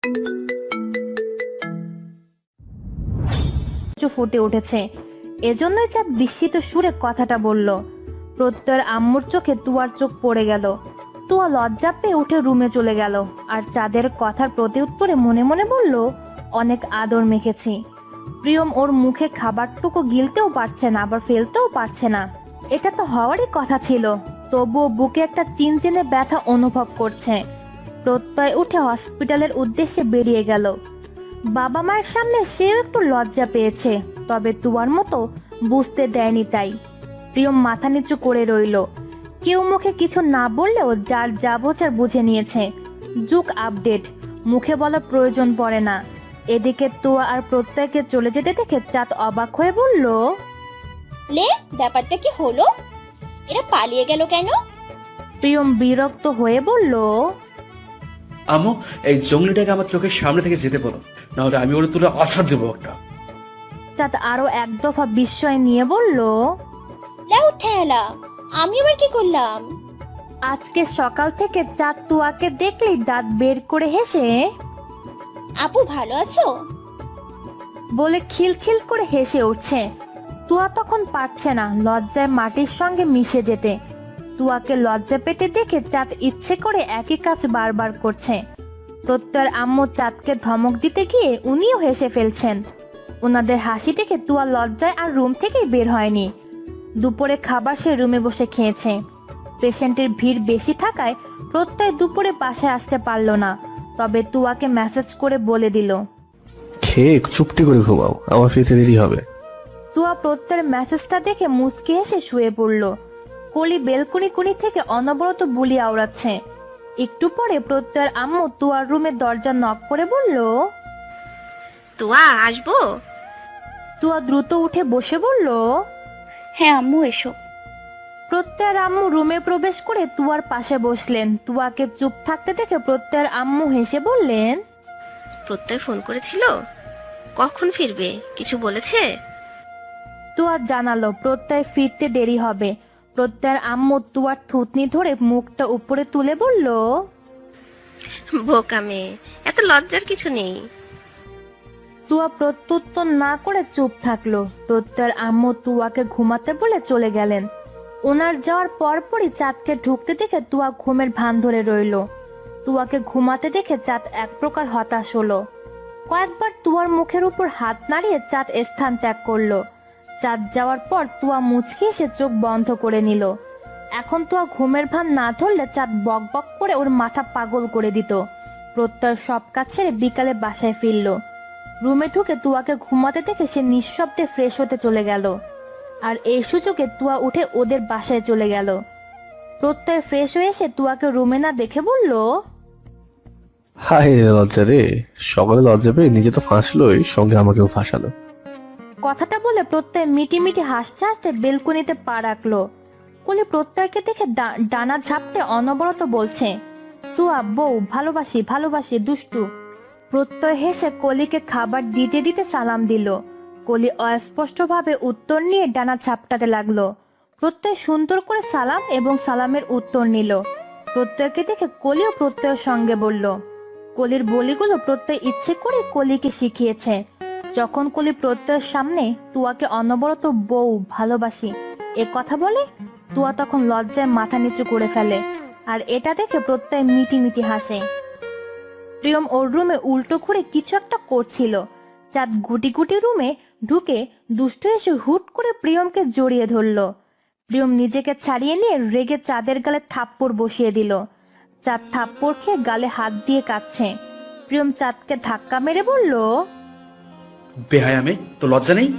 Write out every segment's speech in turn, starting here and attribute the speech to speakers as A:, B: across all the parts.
A: ফুটে উঠেছে। এজন্যই চাঁদ বিস্মিত সুরে কথাটা বলল। প্রত্যয়ের আম্মুর চোখে তুয়ার চোখ পড়ে গেল। তুয়া লজ্জা পেয়ে উঠে রুমে চলে গেল। আর চাঁদের কথার প্রতি উত্তরে মনে মনে বলল, অনেক আদর মেখেছি। প্রিয়ম ওর মুখে খাবারটুকু গিলতেও পারছে না, আবার ফেলতেও পারছে না। এটা তো হওয়ারই কথা ছিল, তবুও বুকে একটা চিনচিনে ব্যথা অনুভব করছে। প্রত্যয় উঠে হসপিটালের উদ্দেশ্যে বেরিয়ে গেল। বাবা মায়ের সামনে সেও একটু লজ্জা পেয়েছে, তবে তুয়ার মতো বুঝতে দেয়নি তাই। প্রিয়ম মাথা নিচু করে রইল। কেউ মুখে কিছু না বললেও যার যা বোঝার বুঝে নিয়েছে। যুগ আপডেট, মুখে বলার প্রয়োজন পড়ে না। এদিকে তুয়া আর প্রত্যয়কে চলে যেতে দেখে চাঁদ অবাক হয়ে বলল,
B: লে, ব্যাপারটা কি হলো? এরা পালিয়ে গেল কেন?
A: প্রিয়ম বিরক্ত হয়ে বলল,
C: আম্মু, এই জঙ্গলিটাকে আমার চোখের সামনে থেকে যেতে বলো, নাহলে আমি ওর তুলে আছাড় দেবো একটা।
A: চাঁদ আরো এক দফা বিস্ময় নিয়ে বলল,
B: লাউ ঠেলা, আমি আবার কি করলাম?
A: আজকে সকাল থেকে চাঁদ তুয়াকে দেখলেই দাঁত বের করে হেসে
B: আপু ভালো আছো?
A: বলে খিলখিল করে হেসে উঠছে। তুয়া তখন পারছে না লজ্জায় মাটির সঙ্গে মিশে যেতে। তুয়াকে লজ্জা পেতে দেখে চাঁদ ইচ্ছে করে একই কাজ বারবার করছে। প্রত্যয়ের আম্মু চাঁদকে ধমক দিতে গিয়ে উনিও হেসে ফেলছেন। ওনাদের হাসি দেখে তুয়া লজ্জায় আর রুম থেকেই বের হয়নি। দুপুরে খাবার সে রুমে বসে খেয়েছে। পেশেন্টের ভিড় বেশি থাকায় প্রত্যয় দুপুরে বাসায় আসতে পারল না, তবে তুয়াকে মেসেজ করে বলে দিল,
D: খেয়ে চুপটি করে ঘুমাও, আমার ফিরতে দেরি হবে।
A: তুয়া প্রত্যয়ের মেসেজটা দেখে মুচকি হেসে শুয়ে পড়ল। কলি বেলকনি কোণি থেকে অনবরত বুলি আওড়াচ্ছে। একটু পরে প্রত্যয়ের আম্মু তুয়ার রুমের দরজা নক করে বলল,
E: তুয়া আসবো?
A: তুয়া দ্রুত উঠে বসে বলল,
B: হ্যাঁ আম্মু, এসো।
A: প্রত্যয়ের আম্মু রুমে প্রবেশ করে তুয়ার পাশে বসলেন। তুয়াকে চুপ থাকতে দেখে প্রত্যয়ের আম্মু হেসে বললেন,
E: প্রত্যয় ফোন করেছিল? কখন ফিরবে কিছু বলেছে?
A: তুয়া জানালো প্রত্যয় ফিরতে দেরি হবে। প্রত্যয়ের আম্মু তুয়ার থুতনি ধরে মুখটা উপরে তুলে বলল,
E: বোকা মেয়ে, এত লজ্জার কিছু নেই।
A: তুয়া প্রত্যুত্তর না করে চুপ থাকলো। প্রত্যয়ের আম্মু তুয়াকে ঘুমাতে বলে চলে গেলেন। ওনার যাওয়ার পরপরই চাঁদকে ঢুকতে দেখে তুয়া ঘুমের ভান ধরে রইল। তুয়াকে ঘুমাতে দেখে চাঁদ এক প্রকার হতাশ হলো। কয়েকবার তুয়ার মুখের উপর হাত নাড়িয়ে চাঁদ স্থান ত্যাগ করলো। চাঁদ যাওয়ার পর তুয়া মুচকি এসে চোখ বন্ধ করে নিল। এখন তুয়া ঘুমের ভান না ধরলে চাঁদ বক বক করে ওর মাথা পাগল করে দিত। প্রত্যয় সব কাজ ছেড়ে বিকালে বাসায় ফিরল। রুমে ঢুকে তুয়াকে ঘুমাতে দেখে সে নিঃশব্দে ফ্রেশ হতে চলে গেল। আর এই সুযোগে তুয়া উঠে ওদের বাসায় চলে গেল। প্রত্যয় ফ্রেশ হয়ে এসে তুয়াকে রুমে না দেখে বলল,
D: হায় রে লজ্জা রে, সকালে লজ্জা পেয়ে নিজে তো ফাঁসলোই, সঙ্গে আমাকেও ফাঁসালো।
A: কথাটা বলে প্রত্যয় মিটি মিটি হাসতে হাসতে বেলকনিতে পা রাখলো। কলি প্রত্যয়কে দেখে ডানা ঝাপটে অনবরত বলছে, তুয়া বউ, ভালোবাসি ভালোবাসি দুষ্টু। প্রত্যয় হেসে কলিকে খাবার দিতে দিতে সালাম দিল। কলি অস্পষ্টভাবে উত্তর নিয়ে ডানা ঝাপটাতে লাগলো। প্রত্যয় সুন্দর করে সালাম এবং সালামের উত্তর নিল। প্রত্যয়কে দেখে কলিও প্রত্যয়ের সঙ্গে বলল। কলির বলিগুলো প্রত্যয় ইচ্ছে করে কলিকে শিখিয়েছে। যখন কলি প্রত্যয়ের সামনে তুয়াকে অনবরত বউ, ভালোবাসি এ কথা বলে, তুয়া তখন লজ্জায় মাথা নিচু করে ফেলে। আর এটা দেখে প্রত্যয় মিটি মিটি হাসে। প্রিয়ম ওর রুমে উল্টো ঘুরে কিছু একটা করছিল। চাঁদ গুটি গুটি রুমে ঢুকে দুষ্ট এসে হুট করে প্রিয়মকে জড়িয়ে ধরল। প্রিয়ম নিজেকে ছাড়িয়ে নিয়ে রেগে চাঁদের গালে থাপ্পড় বসিয়ে দিল। চাঁদ থাপ্পড় খেয়ে গালে হাত দিয়ে কাঁদছে। প্রিয়ম চাঁদকে ধাক্কা মেরে বলল,
C: বেহায়া মেয়ে, তো লজ্জা নেই?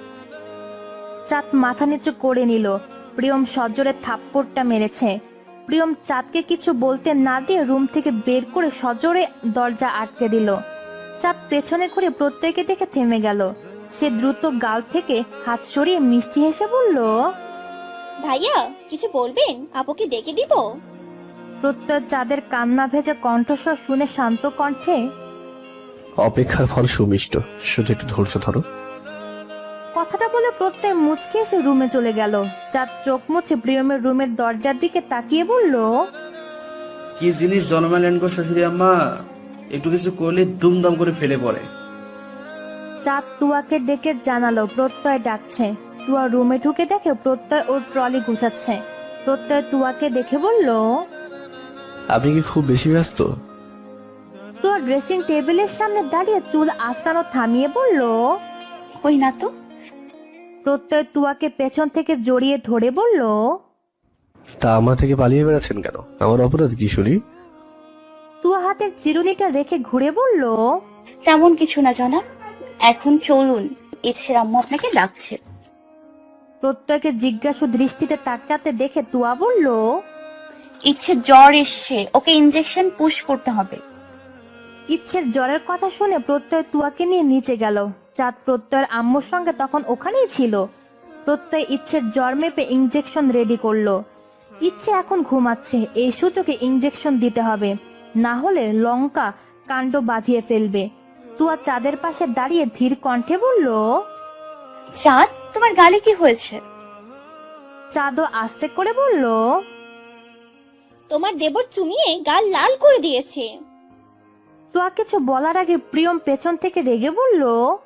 A: চাঁদ মাথা নিচু করে নিল। প্রিয়ম সজোরে থাপ্পড়টা মেরেছে। প্রিয়ম চাঁদকে কিছু বলতে না দিয়ে রুম থেকে বের করে সজোরে দরজা আটকে দিল। চাঁদ পেছনে ঘুরে প্রত্যয়কে দেখে থেমে গেল। সে দ্রুত গাল থেকে হাত সরিয়ে মিষ্টি হেসে বলল,
B: ভাইয়া কিছু বলবেন? আপুকে ডেকে দিব?
A: প্রত্যয় চাঁদের কান্না ভেজা কণ্ঠস্বর শুনে শান্ত কণ্ঠে,
D: অপেক্ষার ফল সুমিষ্ট, শুধু একটু ধৈর্য ধরো।
A: কথাটা বলে প্রত্যয় মুচকে এসে রুমে চলে গেল। চাঁদ চোখ মুছে প্রিয়মের রুমের দরজার দিকে তাকিয়ে বলল,
C: কি জিনিস জন্মালেন গো শাশুড়ি আম্মা? একটু কিছু করলে দুমদাম করে ফেলে পড়ে।
A: চাঁদ তুয়াকে ডেকে জানালো প্রত্যয় ডাকছে। তুয়া রুমে ঢুকে দেখে প্রত্যয় ওর ট্রলি গুছাচ্ছে। প্রত্যয় তুয়াকে দেখে বলল,
D: আপনি কি খুব বেশি ব্যস্ত?
A: তুয়া ড্রেসিং টেবিলের সামনে দাঁড়িয়ে চুল আঁচড়ানো থামিয়ে বলল।
B: কই না তো।
A: প্রত্যয় তুয়াকে পেছন থেকে জড়িয়ে ধরে বলল,
D: তা আমার থেকে পালিয়ে বেড়াচ্ছেন কেন? আমার অপরাধ কি শুনি?
A: তুয়া হাতের চিরুনিটা রেখে ঘুরে বলল,
B: তেমন কিছু না জনাব, এখন চলুন, ইচ্ছের আম্মু আপনাকে ডাকছে।
A: প্রত্যয়কে জিজ্ঞাসু দৃষ্টিতে তাকাতে দেখে তুয়া বলল,
B: ইচ্ছে জ্বর এসছে, ওকে ইনজেকশন পুশ করতে হবে।
A: ইচ্ছের জ্বরের কথা শুনে প্রত্যয় তুয়াকে নিয়ে নিচে গেল। চাঁদ প্রত্যয়ের আম্মুর সঙ্গে তখন ওখানেই ছিল। প্রত্যয় ইচ্ছের জ্বর মেপে ইনজেকশন রেডি করলো। ইচ্ছে এখন ঘুমাচ্ছে, এই সুযোগে ইনজেকশন দিতে হবে, না হলে লঙ্কা কাণ্ড বাঁধিয়ে ফেলবে। তুয়া চাঁদের পাশে দাঁড়িয়ে ধীর কণ্ঠে বলল।
B: চাঁদ, তোমার গালে কি হয়েছে?
A: চাঁদও আস্তে করে বলল,
B: তোমার দেবর চুমিয়ে গাল লাল করে দিয়েছে।
A: তুয়া কিছু বলার আগে প্রিয়ম পেছন থেকে রেগে বলল,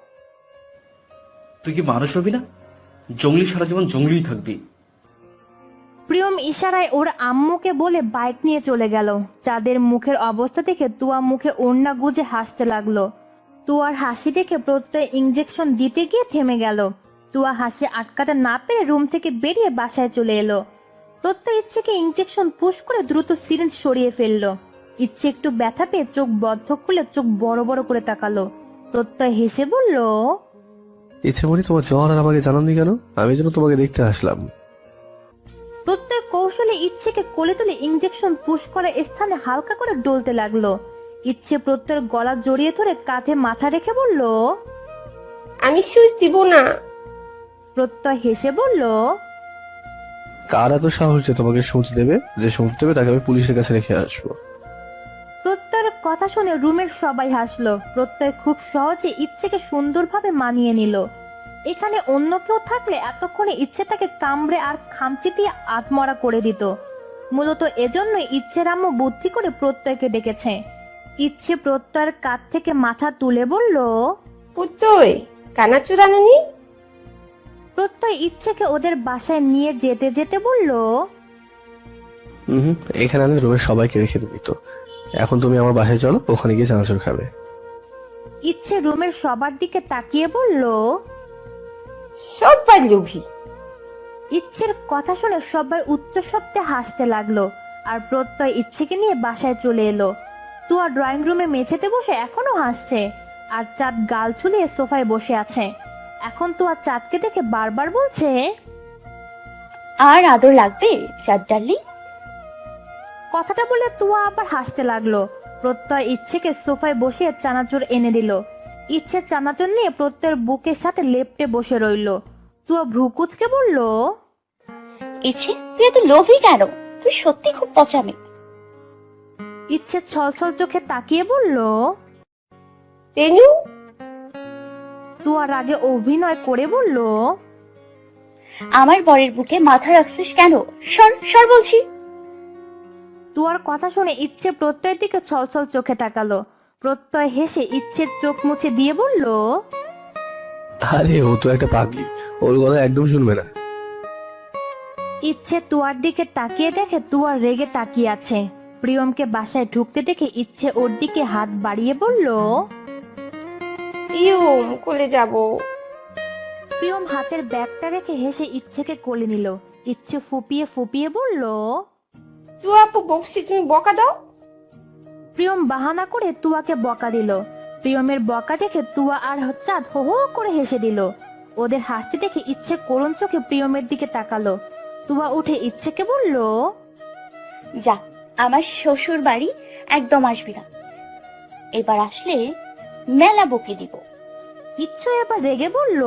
C: তুই কি মানুষ হবি না? জঙ্গলি সারা জীবন জঙ্গলিই থাকবি।
A: প্রিয়ম ইশারায় ওর আম্মুকে বলে বাইক নিয়ে চলে গেল। চাঁদের মুখের অবস্থা দেখে তুয়া মুখে ওড়না গুজে হাসতে লাগলো। তুয়ার হাসি দেখে প্রত্যয় ইনজেকশন দিতে গিয়ে থেমে গেল। তুয়া হাসি আটকাতে না পেরে রুম থেকে বেরিয়ে বাসায় চলে এলো। প্রত্যয় ইচ্ছেকে ইনজেকশন পুশ করে দ্রুত সিরিঞ্জ সরিয়ে ফেললো। ইচ্ছে একটু ব্যথা পেয়ে চোখ বদ্ধ খুলে চোখ বড় বড় করে তাকালো। প্রত্যয় হেসে বলল,
D: ইচ্ছে মনি, তোমার জ্বর আর আমাকে জানাননি কেন? আমি যেন তোমাকে দেখতে আসলাম।
A: প্রত্যয় কৌশলে ইচ্ছেকে কোলে তুলে ইনজেকশন পুশ করা স্থানে হালকা করে ডলতে লাগলো। ইচ্ছে প্রত্যয়ের গলা জড়িয়ে ধরে কাঁধে মাথা রেখে বলল,
F: আমি সুচ দিব না।
A: প্রত্যয় হেসে বলল,
D: কার এত সাহস যে তোমাকে সূচ দেবে? যে সূচ দেবে তাকে আমি পুলিশের কাছে রেখে আসবো।
A: প্রত্যয়ের কথা শুনে রুমের সবাই হাসলো। প্রত্যয় খুব সহজে ইচ্ছেকে সুন্দরভাবে মানিয়ে নিল। এখানে অন্য কেউ থাকলে এতক্ষণে ইচ্ছে তাকে কামড়ে আর খামচি দিয়ে আত্মরা করে দিত। মূলত এজন্যই ইচ্ছের আম্মু বুদ্ধি করে প্রত্যয়কে ডেকেছে। ইচ্ছে প্রত্যয়ের কাঁধ থেকে মাথা তুলে বলল,
F: পুত্তই, কানা চুরানুনি।
A: প্রত্যয় ইচ্ছেকে ওদের বাসায় নিয়ে যেতে যেতে বলল,
D: এখানে আমি রুমের সবাইকে রেখে দিত। এখন তুমি আমার বাসায় চলো, ওখানে গিয়ে চানাচুর খাবে।
A: ইচ্ছে রুমের সবার দিকে তাকিয়ে বলল।
F: সবাই লোভী।
A: ইচ্ছের কথা শুনে সবাই উচ্চ শব্দে হাসতে লাগলো। আর প্রত্যয় ইচ্ছেকে নিয়ে বাসায় চলে এলো। তুয়া ড্রয়িং রুমে মেঝেতে বসে এখনো হাসছে। আর চাঁদ গাল ছুলিয়ে সোফায় বসে আছে। এখন তুয়া চাঁদকে দেখে বারবার বলছে,
B: আর আদর লাগবে চাঁদ ডার্লিং।
A: কথাটা বলে তুয়া আবার হাসতে লাগলো। প্রত্যয় ইচ্ছেকে সোফায় বসিয়ে চানাচুর এনে দিল। ইচ্ছে চানাচুর নিয়ে প্রত্যয়ের বুকের সাথে লেপ্টে বসে রইল। তুয়া ভ্রু কুচকে বলল,
B: ইচ্ছে, তুই এত লোভী কেন? তুই সত্যি খুব পচামি।
A: ইচ্ছে ছলছল চোখে তাকিয়ে বলল।
F: তেনু,
A: তুয়ার আগে অভিনয় করে বলল,
B: আমার বরের বুকে মাথা রাখছিস কেন? সর সর বলছি।
A: তুয়ার কথা শুনে ইচ্ছে প্রত্যয়ের দিকে ছলছল চোখে তাকালো। প্রত্যয় হেসে ইচ্ছের চোখ মুছে দিয়ে বলল,
D: আরে ও তো একটা পাগলি, ওর কথা একদম শুনবে না।
A: ইচ্ছে তুয়ার দিকে তাকিয়ে দেখে তুয়ার রেগে তাকিয়ে আছে। প্রিয়মকে বাসায় ঢুকতে দেখে ইচ্ছে ওর দিকে হাত বাড়িয়ে বলল,
F: ইউম, কোলে যাব।
A: প্রিয়ম হাতের ব্যাগটা রেখে হেসে ইচ্ছেকে কোলে নিল। ইচ্ছে ফুপিয়ে ফুপিয়ে বলল।
F: চুয়াপু বকছি, তুমি বকা দাও।
A: প্রিয়ম বাহানা করে তুয়াকে বকা দিল। প্রিয়মের বকা দেখে তুয়া আর চাঁদ হো হো করে হেসে দিল। ওদের হাসতে দেখে ইচ্ছে করুণ চোখে প্রিয়মের দিকে তাকালো। তুয়া উঠে ইচ্ছেকে বলল,
B: যা, আমার শ্বশুর বাড়ি একদম আসবি না। এবার আসলে মেলা বকে দিব।
A: ইচ্ছে এবার রেগে বলল,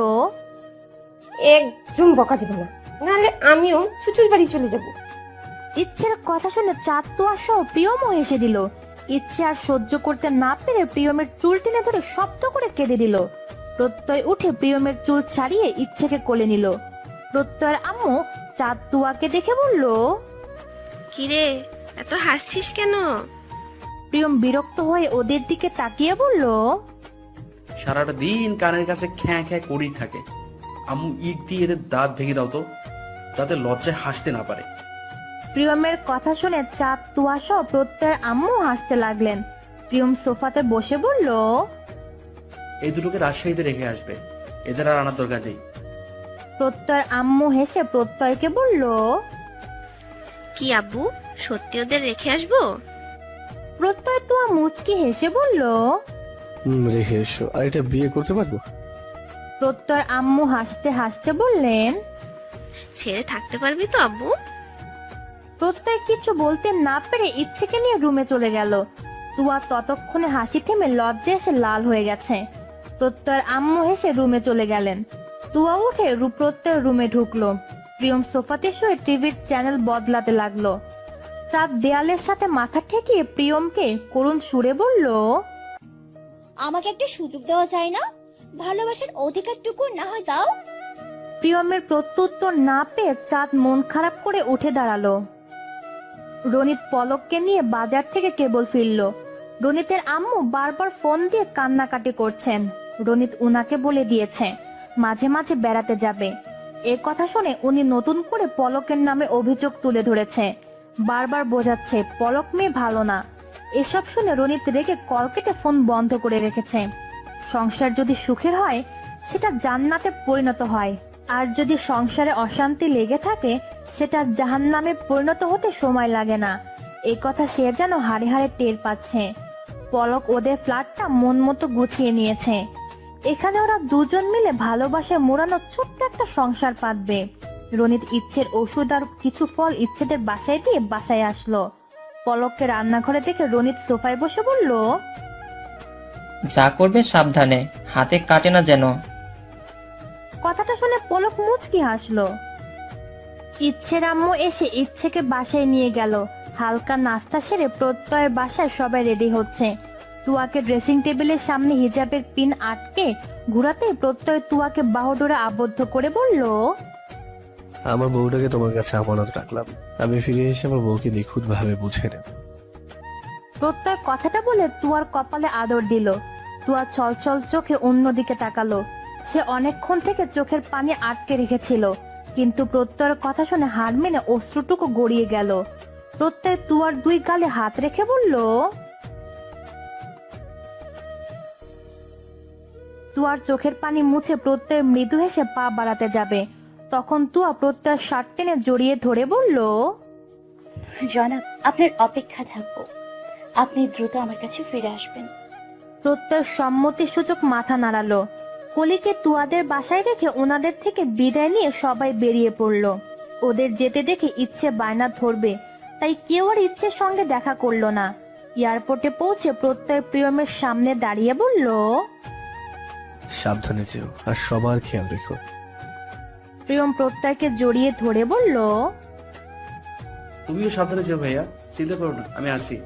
F: একদম বকা দিব না, নাহলে আমিও শ্বশুর বাড়ি চলে যাব।
A: ইচ্ছের কথা শুনে চাঁদ তুয়া সহ প্রিয়মও হেসে দিল। ইচ্ছে আর সহ্য করতে না পেরে প্রিয়মের চুল টেনে ধরে শব্দ করে কেঁদে দিল। প্রত্যয় উঠে প্রিয়মের চুল ছাড়িয়ে ইচ্ছেকে কোলে নিল। প্রত্যয়ের আম্মু চাঁদ তুয়াকে দেখে বলল,
E: কিরে, এত হাসছিস কেন?
A: প্রিয়ম বিরক্ত হয়ে ওদের দিকে তাকিয়ে বলল,
C: সারাটা দিন কানের কাছে খ্যাঁ খ্যাঁ করেই থাকে। আম্মু ইট দিয়ে এদের দাঁত ভেঙে দাও তো, যাতে লজ্জায় হাসতে না পারে।
A: প্রিয়মের কথা শুনে চাঁদ, তুয়া সহ প্রত্যয়ের আম্মু হাসতে লাগলেন। প্রিয়ম সোফাতে বসে বলল,
C: এই দুটোকে রাজশাহীতে রেখে আসবে, এদের আর আনার দরকার নেই।
A: প্রত্যয়ের আম্মু হেসে প্রত্যয়কে বলল,
E: কি আব্বু, সত্যি ওদের রেখে আসবো?
A: প্রত্যয় তুয়া মুচকি হেসে বলল।
D: রেখে এসো। আর এটা বিয়ে করতে পারবো?
A: প্রত্যয়ের আম্মু হাসতে হাসতে বললেন।
E: ছেড়ে থাকতে পারবি তো আব্বু?
A: প্রত্যয় কিছু বলতে না পেরে ইচ্ছেকে নিয়ে রুমে চলে গেল। তুয়া ততক্ষণে হাসি থেমে লজ্জে এসে লাল হয়ে গেছে। প্রত্যয়ের আম্মু হেসে রুমে চলে গেলেন। তুয়া উঠে প্রত্যয়ের রুমে ঢুকলো। প্রিয়ম সোফাতে শুয়ে টিভির চ্যানেল বদলাতে লাগলো। চাঁদ দেয়ালের সাথে মাথা ঠেকিয়ে প্রিয়মকে করুণ সুরে বলল,
G: আমাকে একটা সুযোগ দেওয়া যায় না? ভালোবাসার অধিকারটুকু না হয় দাও।
A: প্রিয়মের প্রত্যুত্তর না পেয়ে চাঁদ মন খারাপ করে উঠে দাঁড়ালো। রনিত পলককে নিয়ে বাজার থেকে কেবল ফিরল। রনিতের আম্মু বারবার ফোন দিয়ে কান্নাকাটি করছেন। রনিত উনাকে বলে দিয়েছে মাঝে মাঝে বেড়াতে যাবে। এ কথা শুনে উনি নতুন করে পলকের নামে অভিযোগ তুলে ধরেছে। বারবার বোঝাচ্ছে পলক মেয়ে ভালো না। এসব শুনে রনিত রেগে কল কেটে ফোন বন্ধ করে রেখেছে। সংসার যদি সুখের হয় সেটা জান্নাতে পরিণত হয়, আর যদি সংসারে অশান্তি লেগে থাকে সেটা জাহান্নামে পরিণত হতে সময় লাগে না। এই কথা সে যেন হাড়ে হাড়ে টের পাচ্ছে। পলক ওদের ফ্ল্যাটটা মন মতো গুছিয়ে নিয়েছে। এখানে ওরা দুজন মিলে ভালোবাসায় মোড়ানো ছোট্ট একটা সংসার পাতবে। রনিত ইচ্ছের ওষুধ আর কিছু ফল ইচ্ছেদের বাসায় দিয়ে বাসায় আসলো। পলককে রান্নাঘরে দেখে রনিত সোফায় বসে বলল,
H: যা করবে সাবধানে, হাতে কাটে না যেন।
A: কথাটা শুনে পলক মুচকি হাসলো। ইচ্ছের আম্মু এসে ইচ্ছেকে বাসায় নিয়ে গেল। হালকা নাস্তা সেরে প্রত্যয়ের বাসায় সবাই রেডি হচ্ছে। তুয়াকে ড্রেসিং টেবিলের সামনে হিজাবের পিন আটকে ঘুরাতেই প্রত্যয় তুয়াকে বাহুডোরে আবদ্ধ করে বলল,
D: আমার বউটাকে তোমার কাছে আমানত রাখলাম। আমি ফিরে এসে আমার বউকে নিখুঁত ভাবে বুঝে নেব।
A: প্রত্যয় কথাটা বলে তুয়ার কপালে আদর দিল। তুয়া ছলছল চোখে অন্যদিকে তাকালো। সে অনেকক্ষণ থেকে চোখের পানি আটকে রেখেছিল, কিন্তু প্রত্যয়ের কথা শুনে হার মেনে অশ্রুটুকু গড়িয়ে গেল। প্রত্যয় তুয়ার দুই গালে হাত রেখে বলল, তুয়ার চোখের পানি মুছে প্রত্যয় মৃদু হেসে পা বাড়াতে যাবে, তখন তুয়া প্রত্যয়ের শার্ট টেনে জড়িয়ে ধরে বলল,
B: জনাব, আপনার অপেক্ষা থাকবো। আপনি দ্রুত আমার কাছে ফিরে আসবেন।
A: প্রত্যয় সম্মতি সূচক মাথা নাড়ালো। কলিকে তুয়াদের বাসায় রেখে ওনাদের থেকে বিদায় নিয়ে সবাই বেরিয়ে পড়ল। ওদের যেতে দেখে ইচ্ছে বায়না ধরবে, তাই কেউ আর ইচ্ছের সঙ্গে দেখা করলো না। এয়ারপোর্টে পৌঁছে প্রত্যয় প্রিয়মের সামনে দাঁড়িয়ে বলল,
D: সাবধানে যেও আর সবার খেয়াল রেখো।
A: প্রিয়ম প্রত্যয়কে জড়িয়ে ধরে বলল,
C: তুমিও সাবধানে যেও ভাইয়া, চিন্তা করো না, আমি আছি।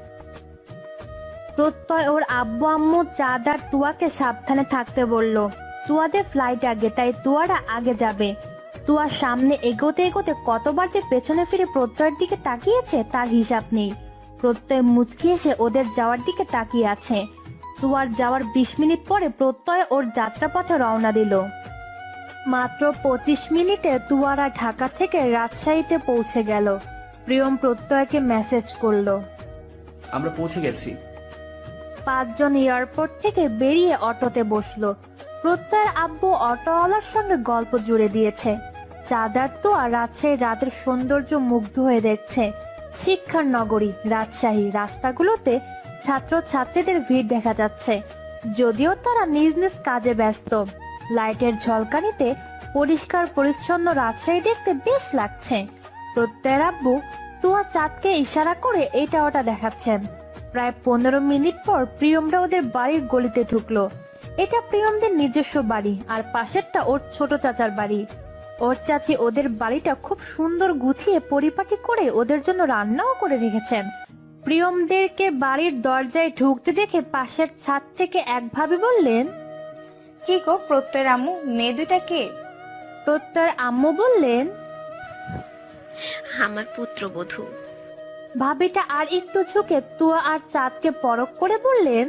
A: প্রত্যয় ওর আব্বু আম্মু চাঁদ আর তুয়াকে সাবধানে থাকতে বলল। তুয়াদের ফ্লাইট আগে, তাই তুয়ারা আগে যাবে। তুয়ার সামনে এগোতে এগোতে কতবার যে পেছনে ফিরে প্রত্যয়ের দিকে তাকিয়েছে তার হিসাব নেই। প্রত্যয় মুচকি এসে ওদের যাওয়ার দিকে তাকিয়ে আছে। তুয়ার যাওয়ার 20 মিনিট পরে প্রত্যয় ওর যাত্রাপথে রওনা দিল। মাত্র 25 মিনিটে তুয়ারা ঢাকা থেকে রাজশাহীতে পৌঁছে গেল। প্রিয়ম প্রত্যয়কে মেসেজ করলো।
C: আমরা পৌঁছে গেছি।
A: 5 জন এয়ারপোর্ট থেকে বেরিয়ে অটোতে বসলো। প্রত্যয়ের আব্বু অটোওয়ালার সঙ্গে গল্প জুড়ে দিয়েছে। চাঁদার তো আর রাজশাহীর রাতের সৌন্দর্য মুগ্ধ হয়ে দেখছে। শিক্ষার নগরী রাজশাহী, রাস্তাগুলোতে ছাত্র ছাত্রীদের ভিড় দেখা যাচ্ছে, যদিও তারা নিজ নিজ কাজে ব্যস্ত। লাইটের ঝলকানিতে পরিষ্কার পরিচ্ছন্ন রাজশাহী দেখতে বেশ লাগছে। প্রত্যয়ের আব্বু তুয়া চাঁদকে ইশারা করে এটা ওটা দেখাচ্ছেন। প্রায় 15 মিনিট পর প্রিয়মরা ওদের বাড়ির গলিতে ঢুকলো। এটা প্রিয়মদের নিজস্ব বাড়ি, আর পাশেরটা ওর ছোট চাচার বাড়ি। ওর চাচি ওদের বাড়িটা খুব সুন্দর গুছিয়ে পরিপাটি করে ওদের জন্য রান্নাও করে রেখেছেন। প্রিয়মদেরকে বাড়ির দরজায় ঢুকতে দেখে পাশের ছাদ থেকে একভাবে বললেন,
I: কি গো প্রত্যয়ের আম্মু, মেয়ে দুটা কে?
A: প্রত্যয়ের আম্মু বললেন,
E: আমার পুত্রবধূ।
A: ভাবিটা আর একটু ঝুঁকে তুয়া আর চাঁদকে পরখ করে বললেন।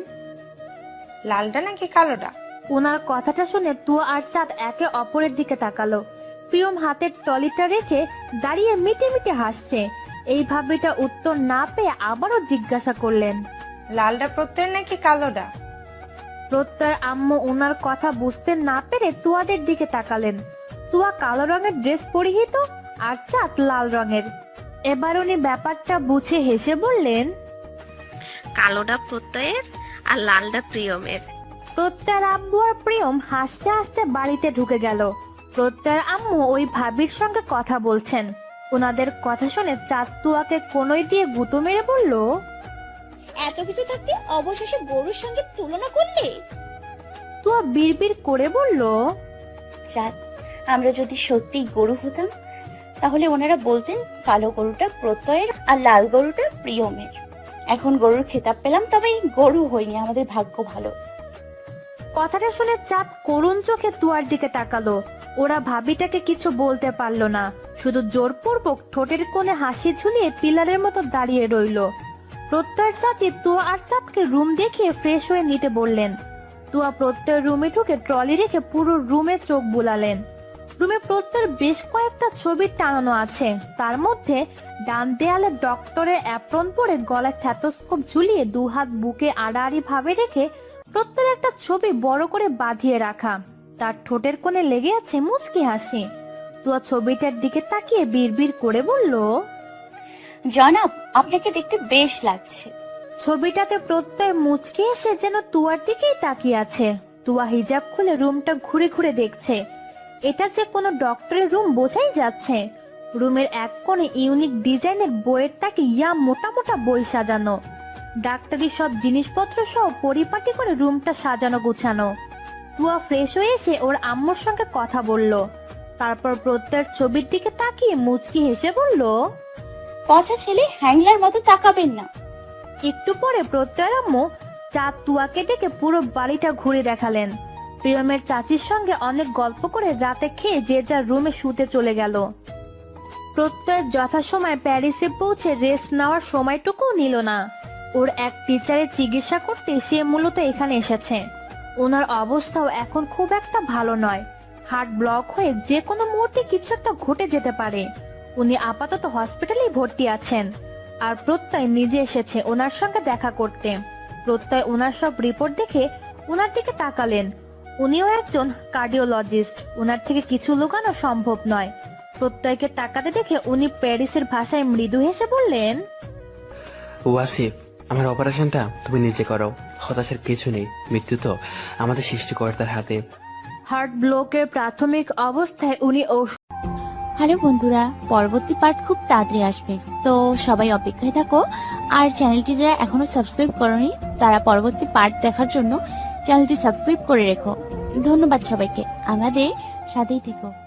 I: লালটা নাকি কালোটা?
A: ওনার কথাটা শুনে তুয়া আর চাঁদ একে অপরের দিকে তাকালো। প্রিয়ম হাতের টলিটা রেখে দাঁড়িয়ে মিটে মিটে হাসছে। এই ভাবিটা উত্তর না পেয়ে আবারও জিজ্ঞাসা করলেন,
I: লালটা প্রত্যয়ের নাকি কালোটা?
A: প্রত্যয়ের আম্মু ওনার কথা বুঝতে না পেরে তুয়াদের দিকে তাকালেন। তুয়া কালো রঙের ড্রেস পরিহিত আর চাঁদ লাল রঙের। এবার উনি ব্যাপারটা বুঝে হেসে বললেন,
E: কালোটা প্রত্যয়ের আর লালটা প্রিয়মের।
A: প্রত্যয়ের আব্বু আর প্রিয়ম হাসতে হাসতে বাড়িতে ঢুকে গেল। প্রত্যয়ের আম্মু ওই ভাবির সঙ্গে কথা বলছেন। ওনাদের কথা শুনে চাঁদ তুয়াকে কোনোই দিয়ে গুঁতো মেরে বলল,
G: এত কিছু থাকতে অবশেষে গরুর সঙ্গে তুলনা করলে?
A: তুয়া বিড়বিড় করে বলল,
B: চাঁদ, আমরা যদি সত্যি গরু হতাম তাহলে ওনারা বলতেন কালো গরুটা প্রত্যয়ের আর লাল গরুটা প্রিয়মের। এখন গরুর খেতাব পেলাম, তবে গরু হয়নি, আমাদের ভাগ্য ভালো।
A: কথাটা শুনে চাঁদ করুণ চোখে তুয়ার দিকে তাকালো। ওরা ভাবিটাকে কিছু বলতে পারলো না, শুধু জোরপূর্বক ঠোঁটের কোণে হাসি ঝুলিয়ে পিলারের মতো দাঁড়িয়ে রইল। প্রত্যয়ের চাচি তুয়া আর চাঁদকে রুম দেখিয়ে ফ্রেশ হয়ে নিতে বললেন। তুয়া প্রত্যয়ের রুমে ঢুকে ট্রলি রেখে পুরো রুমে চোখ বুলালেন। রুমে প্রত্যয়ের বেশ কয়েকটা ছবি টানানো আছে। তার মধ্যে ডান দেয়ালে ডক্টরের অ্যাপ্রন পরে গলায় স্টেথোস্কোপ ঝুলিয়ে দুহাত বুকে আড়াআড়ি ভাবে রেখে প্রত্যয়ের একটা ছবি বড় করে বাঁধিয়ে রাখা। তার ঠোঁটের কোণে লেগে আছে মুচকি হাসি। তুয়া ছবিটার দিকে তাকিয়ে বিড়বিড় করে বলল,
B: জনাব, আপনাকে দেখতে বেশ লাগছে।
A: ছবিটাতে প্রত্যয় মুচকি এসে যেন তুয়ার দিকেই তাকিয়ে আছে। তুয়া হিজাব খুলে রুমটা ঘুরে ঘুরে দেখছে। এটা যে কোনো ডক্টরের রুম বোঝাই যাচ্ছে। রুমের এক কোণে ইউনিক ডিজাইনের বইয়ের তাকে ইয়া মোটা মোটা বই সাজানো। ডাক্তারি সব জিনিসপত্র সহ পরিপাটি করে রুমটা সাজানো গুছানো। তুয়া ফ্রেশ হয়ে এসে ওর আম্মুর সঙ্গে কথা বলল। তারপর প্রত্যয়ের ছবির দিকে তাকিয়ে মুচকি হেসে বলল,
B: পচা ছেলে, হ্যাংলার মতো তাকাবেন না।
A: একটু পরে প্রত্যয়ের আম্মু চাঁদ তুয়াকে ডেকে পুরো বাড়িটা ঘুরে দেখালেন। প্রিয়মের চাচির সঙ্গে অনেক গল্প করে রাতে খেয়ে যে যার রুমে শুতে চলে গেল। প্রত্যয় যথাসময়ে প্যারিসে পৌঁছে রেস্ট নেওয়ার সময়টুকু নিল না। ওর এক টিচারের চিকিৎসা করতে সে মূলত এখানে এসেছে। ওনার অবস্থাও এখন খুব একটা ভালো নয়। হার্ট ব্লক হয়ে যে কোনো মুহূর্তে কিছু একটা ঘটে যেতে পারে। উনি আপাতত হসপিটালেই ভর্তি আছেন। আর প্রত্যয় নিজে এসেছে ওনার সঙ্গে দেখা করতে। প্রত্যয় ওনার সব রিপোর্ট দেখে ওনার দিকে তাকালেন। উনিও একজন কার্ডিওলজিস্ট। ওনার থেকে কিছু লুকানো সম্ভব নয়। প্রত্যয়কে তাকাতে দেখে উনি প্যারিসের ভাষায় মৃদু হেসে বললেন,
J: ওয়াসিফ, আমার অপারেশনটা তুমি নিজে করো। হতাশার কিছু নেই, মৃত্যু তো আমাদের সৃষ্টিকর্তার হাতে।
A: হার্ট ব্লকের প্রাথমিক অবস্থায় উনি
K: হ্যালো বন্ধুরা, পরবর্তী পার্ট খুব তাড়াতাড়ি আসবে, তো সবাই অপেক্ষায় থাকো। আর চ্যানেলটি যারা এখনো সাবস্ক্রাইব করনি তারা পরবর্তী পার্ট দেখার জন্য চ্যানেলটি সাবস্ক্রাইব করে রেখো। ধন্যবাদ সবাইকে, আমাদের সাথেই থেকো।